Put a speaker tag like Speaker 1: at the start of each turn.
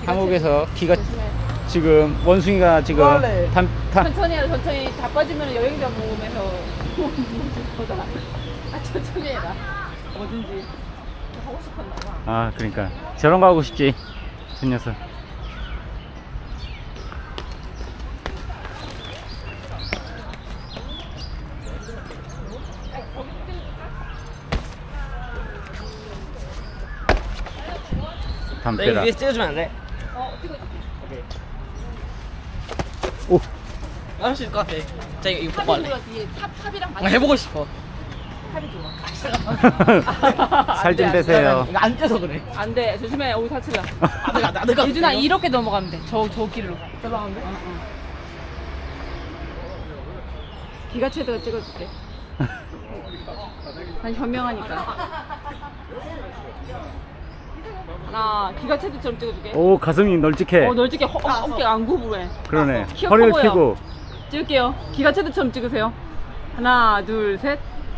Speaker 1: 감옥에서 기가
Speaker 2: 조심해.
Speaker 1: 지금 원숭이가 지금
Speaker 3: 뭐할래?
Speaker 2: 천천히 해라. 천천히. 다 빠지면 여행자 모으면서 보다. 아 천천히 해라. 뭐든지 하고 싶었나 봐.
Speaker 1: 아 그러니까 저런 거 하고 싶지 저 녀석.
Speaker 3: 나 이거
Speaker 1: 담벼락.
Speaker 3: 위에서 찍어주면 안 돼?
Speaker 2: 찍어줄게.
Speaker 1: 오
Speaker 3: 할 수 있을 것 같아. 자 이거 보고
Speaker 2: 탑이
Speaker 3: 할래.
Speaker 2: 좋아. 뒤에 탑이랑
Speaker 3: 아, 해보고 싶어.
Speaker 2: 탑이 좋아.
Speaker 1: 살 좀 빼세요.
Speaker 3: 이거 안 쪄서 그래.
Speaker 2: 안 돼. 조심해. 오이 다칠라.
Speaker 3: 내가
Speaker 2: 예준아 이렇게 넘어가면 돼. 저 길로.
Speaker 3: 들어가는데?
Speaker 2: 기가 채도가 찍어줄게. 난 현명하니까. 하나, 기가 채도처럼 찍어줄게.
Speaker 1: 오 가슴이 널찍해.
Speaker 2: 널찍게 어깨가 안 구부해.
Speaker 1: 그러네.
Speaker 2: 키가
Speaker 1: 허리를
Speaker 2: 커 보여.
Speaker 1: 펴고.
Speaker 2: 찍을게요. 기가 채도처럼 찍으세요. 하나, 둘, 셋.